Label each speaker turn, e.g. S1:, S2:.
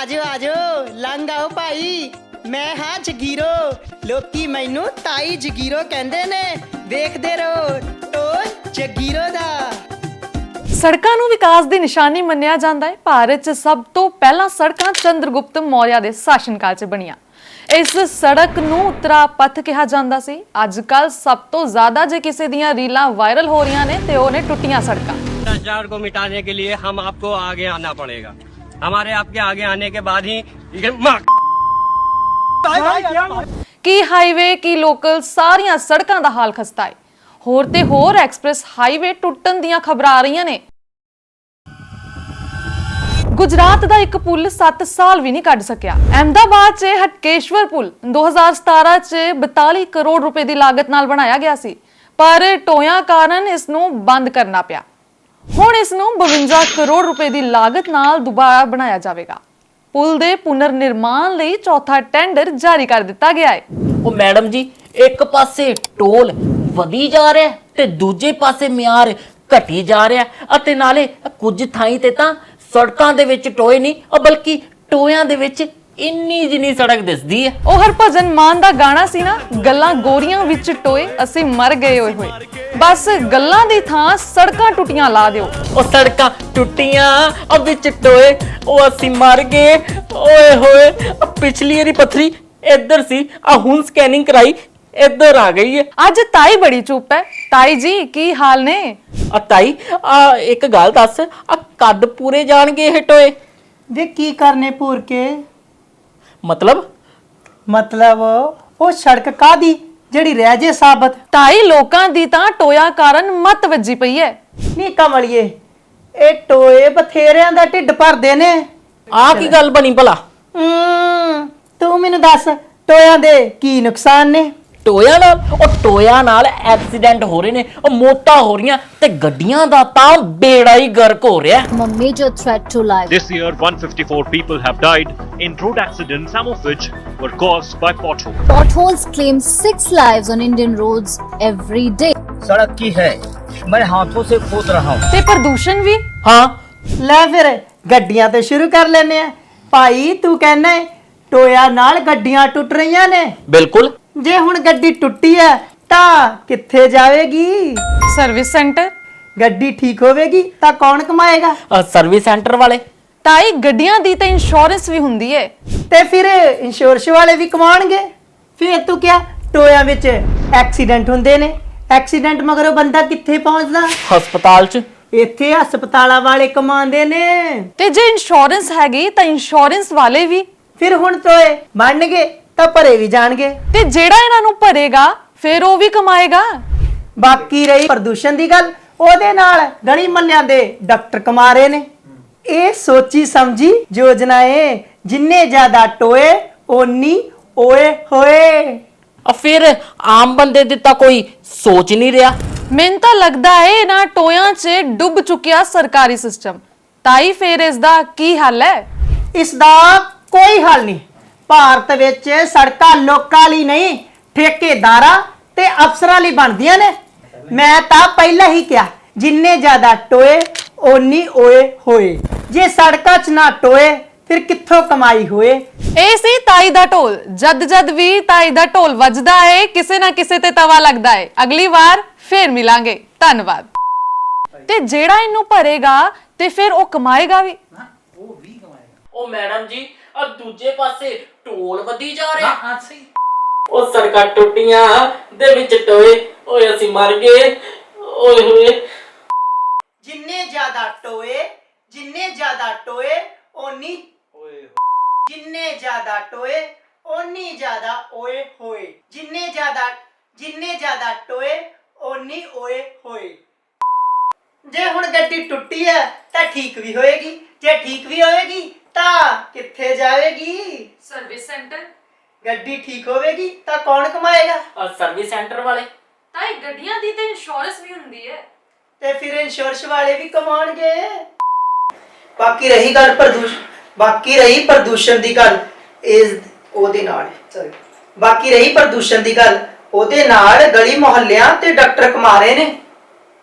S1: आजो आजो लंघ आओ भाई मैं हाँ जगीरो लोकी मैनू ताई जगीरो कहंदे ने देखदे रहो टोल जगीरो दा।
S2: ਸੜਕਾਂ ਨੂੰ ਵਿਕਾਸ ਦੀ ਨਿਸ਼ਾਨੀ ਮੰਨਿਆ ਜਾਂਦਾ ਹੈ। ਭਾਰਤ 'ਚ ਸਭ ਤੋਂ ਪਹਿਲਾਂ ਸੜਕਾਂ ਚੰਦਰਗੁਪਤ ਮੌਰਿਆ ਦੇ ਸ਼ਾਸਨਕਾਲ 'ਚ ਬਣੀਆਂ। ਇਸ ਸੜਕ ਨੂੰ ਉੱਤਰਾ ਪਥ ਕਿਹਾ ਜਾਂਦਾ ਸੀ। ਅੱਜ ਕੱਲ ਸਭ ਤੋਂ ਜ਼ਿਆਦਾ ਜੇ ਕਿਸੇ ਦੀਆਂ ਰੀਲਾਂ ਵਾਇਰਲ ਹੋ ਰਹੀਆਂ ਨੇ ਤੇ ਉਹ ਨੇ ਟੁੱਟੀਆਂ ਸੜਕਾਂ।
S3: भ्रष्टाचार को मिटाने के लिए हम आपको आगे आना पड़ेगा। हमारे आपके आगे आने के बाद ही
S2: ਕੀ ਹਾਈਵੇ ਕੀ ਲੋਕਲ ਸਾਰੀਆਂ ਸੜਕਾਂ ਦਾ ਹਾਲ ਖਸਤਾ ਹੈ। ਹੋਰ ਤੇ ਹੋਰ ਐਕਸਪ੍ਰੈਸ ਹਾਈਵੇ ਟੁੱਟਣ ਦੀਆਂ ਖਬਰਾਂ ਆ ਰਹੀਆਂ ਨੇ। ਗੁਜਰਾਤ ਦਾ ਇੱਕ ਪੁਲ 7 ਸਾਲ ਵੀ ਨਹੀਂ ਕੱਢ ਸਕਿਆ। ਅਹਿਮਦਾਬਾਦ 'ਚ ਹਟਕੇਸ਼ਵਰ ਪੁਲ 2017 'ਚ 42 ਕਰੋੜ ਰੁਪਏ ਦੀ ਲਾਗਤ ਨਾਲ ਬਣਾਇਆ ਗਿਆ ਸੀ, ਪਰ ਟੋਇਆਂ ਕਾਰਨ ਇਸ ਨੂੰ ਬੰਦ ਕਰਨਾ ਪਿਆ। ਹੁਣ ਇਸ ਨੂੰ 52 ਕਰੋੜ ਰੁਪਏ ਦੀ ਲਾਗਤ ਨਾਲ ਦੁਬਾਰਾ ਬਣਾਇਆ ਜਾਵੇਗਾ। ਪੁਲ ਦੇ ਪੁਨਰ ਨਿਰਮਾਣ ਲਈ ਚੌਥਾ ਟੈਂਡਰ ਜਾਰੀ ਕਰ ਦਿੱਤਾ ਗਿਆ ਹੈ।
S4: ਉਹ ਮੈਡਮ ਜੀ, ਇੱਕ ਪਾਸੇ ਟੋਲ ਵਧੀ ਜਾ ਰਿਹਾ ਤੇ ਦੂਜੇ ਪਾਸੇ ਮਿਆਰ ਘਟੀ ਜਾ ਰਿਹਾ ਅਤੇ ਨਾਲੇ ਕੁਝ ਥਾਈਂ ਤੇ ਤਾਂ ਸੜਕਾਂ ਦੇ ਵਿੱਚ ਟੋਏ ਨਹੀਂ ਬਲਕਿ ਟੋਇਆਂ ਦੇ ਵਿੱਚ ਇੰਨੀ ਜਿੰਨੀ ਸੜਕ ਦਿਸਦੀ ਹੈ।
S2: ਉਹ ਹਰਭਜਨ ਮਾਨ ਦਾ ਗਾਣਾ ਸੀ ਨਾ, ਗੱਲਾਂ ਗੋਰੀਆਂ ਵਿੱਚ ਟੋਏ ਅਸੀਂ ਮਰ ਗਏ ਹੋਏ ਹੋਏ। ਬਸ ਗੱਲਾਂ ਦੀ ਥਾਂ ਸੜਕਾਂ ਟੁੱਟੀਆਂ ਲਾ ਦਿਓ।
S4: ਉਹ ਸੜਕਾਂ ਟੁੱਟੀਆਂ ਵਿੱਚ ਟੋਏ ਉਹ ਅਸੀਂ ਮਰ ਗਏ ਓਏ ਹੋਏ। ਪਿਛਲੀ ਵਾਰੀ ਪੱਥਰੀ ਇੱਧਰ ਸੀ, ਹੁਣ ਸਕੈਨਿੰਗ ਕਰਾਈ ਇੱਧਰ ਆ ਗਈ ਹੈ।
S2: ਅੱਜ ਤਾਈ ਬੜੀ ਚੁੱਪ ਹੈ। ਤਾਈ ਜੀ ਕੀ ਹਾਲ ਨੇ?
S4: ਤਾਈ ਇੱਕ ਗੱਲ ਦੱਸ, ਕੱਦ ਪੂਰੇ ਜਾਣਗੇ ਇਹ ਟੋਏ?
S1: वे की करने पूर के
S4: मतलब
S1: वो सड़क कादी जेड़ी रह जे साबत
S2: ਤਾਈ ਲੋਕਾਂ ਦੀ ਤਾਂ ਟੋਇਆ ਕਾਰਨ ਮੱਤ ਵੱਜੀ ਪਈ ਹੈ।
S1: ਨੀ कमलिए ए टोए बथेरिਆਂ ਦਾ ਢਿੱਡ ਭਰਦੇ ਨੇ।
S4: ਕੀ ਗੱਲ ਬਣੀ ਭਲਾ?
S1: ਤੂੰ ਮੈਨੂੰ ਦੱਸ ਟੋਇਆਂ ਦੇ ਕੀ ਨੁਕਸਾਨ ਨੇ?
S4: ਟੋਇਆਂ ਨਾਲ ਐਕਸੀਡੈਂਟ ਹੋ ਰਹੇ ਨੇ, ਮੌਤਾਂ ਹੋ ਰਹੀਆਂ ਤੇ ਗੱਡੀਆਂ ਦਾ ਤਾਂ ਬੇੜਾ ਹੀ ਗਰਕ ਹੋ ਰਿਹਾ।
S5: A major threat to life.
S6: This year, 154 people have died in road accidents, some of which were caused by potholes.
S5: Potholes claim 6 lives on Indian roads every day.
S7: सड़क की है, मैं हाथों से खोद रहा हूँ।
S2: ਤੇ ਪ੍ਰਦੂਸ਼ਣ ਵੀ।
S4: ਹਾਂ
S1: ਲੈ ਫਿਰ ਗੱਡੀਆਂ ਤੋਂ ਸ਼ੁਰੂ ਕਰ ਲੈਨੇ ਆ। ਭਾਈ ਤੂੰ ਕਹਿੰਦਾ ਟੋਇਆ ਨਾਲ ਗੱਡੀਆਂ ਟੁੱਟ ਰਹੀਆਂ ਨੇ।
S4: ਬਿਲਕੁਲ।
S1: ਜੇ ਹੁਣ ਗੱਡੀ ਟੁੱਟੀ ਹੈ ਤਾਂ ਕਿੱਥੇ ਜਾਵੇਗੀ?
S2: Service centre.
S1: ਗੱਡੀ ਠੀਕ ਹੋਵੇਗੀ ਤਾਂ ਕੌਣ ਕਮਾਏਗਾ?
S4: ਸਰਵਿਸ ਸੈਂਟਰ ਵਾਲੇ।
S2: ਤਾਈ ਗੱਡੀਆਂ ਦੀ ਤਾਂ ਇੰਸ਼ੋਰੈਂਸ ਵੀ ਹੁੰਦੀ ਹੈ
S1: ਤੇ ਫਿਰ ਇੰਸ਼ੋਰੈਂਸ ਵਾਲੇ ਵੀ ਕਮਾਉਣਗੇ। ਫਿਰ ਤੂੰ ਕਿਹਾ ਟੋਇਆਂ ਵਿੱਚ ਐਕਸੀਡੈਂਟ ਹੁੰਦੇ ਨੇ, ਐਕਸੀਡੈਂਟ ਮਗਰੋਂ ਬੰਦਾ ਕਿੱਥੇ ਪਹੁੰਚਦਾ?
S4: ਹਸਪਤਾਲ 'ਚ।
S1: ਇੱਥੇ ਹਸਪਤਾਲਾਂ ਵਾਲੇ ਕਮਾਉਂਦੇ ਨੇ।
S2: ਤੇ ਜੇ ਇੰਸ਼ੋਰੈਂਸ ਹੈਗੀ ਤਾਂ ਇੰਸ਼ੋਰੈਂਸ ਵਾਲੇ ਵੀ।
S1: ਫਿਰ ਹੁਣ ਟੋਏ ਬਣਨਗੇ ਤਾਂ ਭਰੇ ਵੀ ਜਾਣਗੇ
S2: ਤੇ ਜਿਹੜਾ ਇਹਨਾਂ ਨੂੰ ਭਰੇਗਾ ਫਿਰ ਉਹ ਵੀ ਕਮਾਏਗਾ।
S1: ਬਾਕੀ ਰਹੀ ਪ੍ਰਦੂਸ਼ਣ ਦੀ ਗੱਲ, ਉਹਦੇ ਨਾਲ ਗਲੀ ਮਹੱਲਿਆਂ ਦੇ ਡਾਕਟਰ ਕਮਾ ਰਹੇ ਨੇ। ਇਹ ਸੋਚੀ ਸਮਝੀ ਯੋਜਨਾ ਏ, ਜਿੰਨੇ ਜ਼ਿਆਦਾ ਟੋਏ ਓਨੀ ਓਏ ਹੋਏ।
S4: ਫਿਰ ਆਮ ਬੰਦੇ ਦੀ ਤਾਂ ਕੋਈ ਸੋਚ ਨਹੀਂ ਰਿਹਾ।
S2: ਮੈਨੂੰ ਤਾਂ ਲੱਗਦਾ ਹੈ ਇਹਨਾਂ ਟੋਇਆਂ 'ਚ ਡੁੱਬ ਚੁੱਕਿਆ ਸਰਕਾਰੀ ਸਿਸਟਮ। ਤਾਈ ਫਿਰ ਇਸ ਦਾ ਕੀ ਹੱਲ ਹੈ?
S1: ਇਸ ਦਾ ਕੋਈ ਹੱਲ ਨਹੀਂ। ਭਾਰਤ ਵਿੱਚ ਸੜਕਾਂ ਲੋਕਾਂ ਲਈ ਨਹੀਂ, ਠੇਕੇਦਾਰਾਂ ਤੇ ਅਫਸਰਾਂ ਲਈ ਬਣਦੀਆਂ ਨੇ। ਮੈਂ ਤਾਂ ਪਹਿਲਾਂ ਹੀ ਕਿਹਾ ਜਿੰਨੇ ਜ਼ਿਆਦਾ ਟੋਏ ਓਨੀ ਓਏ ਹੋਏ। ਜੇ ਸੜਕਾਂ 'ਚ ਨਾ ਟੋਏ ਫਿਰ ਕਿੱਥੋਂ ਕਮਾਈ ਹੋਏ?
S2: ਇਹ ਸੀ ਤਾਈ ਦਾ ਢੋਲ। ਜਦ ਵੀ ਤਾਈ ਦਾ ਢੋਲ ਵੱਜਦਾ ਹੈ ਕਿਸੇ ਨਾ ਕਿਸੇ ਤੇ ਤਵਾ ਲੱਗਦਾ ਹੈ। ਅਗਲੀ ਵਾਰ ਫੇਰ ਮਿਲਾਂਗੇ। ਧੰਨਵਾਦ। ਤੇ ਜਿਹੜਾ ਇਹਨੂੰ ਭਰੇਗਾ ਤੇ ਫਿਰ ਉਹ ਕਮਾਏਗਾ ਵੀ।
S4: ਉਹ ਮੈਡਮ ਜੀ, ਦੂਜੇ ਪਾਸੇ ਢੋਲ ਵਧੀ ਜਾ ਰਿਹਾ। ਉਹ ਸੜਕਾਂ ਟੁੱਟੀਆਂ ਦੇ ਵਿੱਚ ਟੋਏ ਓਏ ਅਸੀਂ ਮਰ ਗਏ ਓਏ ਹੋਏ।
S1: ਜਿੰਨੇ ਜ਼ਿਆਦਾ ਟੋਏ ਓਨੀ ਜਿੰਨੇ ਜ਼ਿਆਦਾ ਟੋਏ ਓਨੀ ਜ਼ਿਆਦਾ ਓਏ ਹੋਏ। ਜਿੰਨੇ ਜ਼ਿਆਦਾ ਟੋਏ ਓਨੀ ਓਏ ਹੋਏ। ਜੇ ਹੁਣ ਗੱਡੀ ਟੁੱਟੀ ਹੈ ਤਾਂ ਠੀਕ ਵੀ ਹੋਏਗੀ। ਜੇ ਠੀਕ ਵੀ ਹੋਏਗੀ ਤਾਂ ਕਿੱਥੇ ਜਾਵੇਗੀ?
S2: Service centre.
S1: ਗੱਡੀ ਠੀਕ ਹੋਵੇਗੀ ਤਾਂ ਕੌਣ ਕਮਾਏਗਾ?
S4: ਸਰਵਿਸ ਸੈਂਟਰ ਵਾਲੇ।
S2: ਤਾਈ ਗੱਡੀਆਂ ਦੀ ਤਾਂ ਇੰਸ਼ੋਰੈਂਸ ਵੀ ਹੁੰਦੀ ਹੈ
S1: ਤੇ ਫਿਰ ਇੰਸ਼ੋਰੈਂਸ ਵਾਲੇ ਵੀ ਕਮਾਉਣਗੇ। ਬਾਕੀ ਰਹੀ ਪ੍ਰਦੂਸ਼ਣ ਦੀ ਗੱਲ, ਉਹਦੇ ਨਾਲ ਗਲੀ ਮੁਹੱਲਿਆਂ ਤੇ ਡਾਕਟਰ ਕਮਾ ਰਹੇ ਨੇ।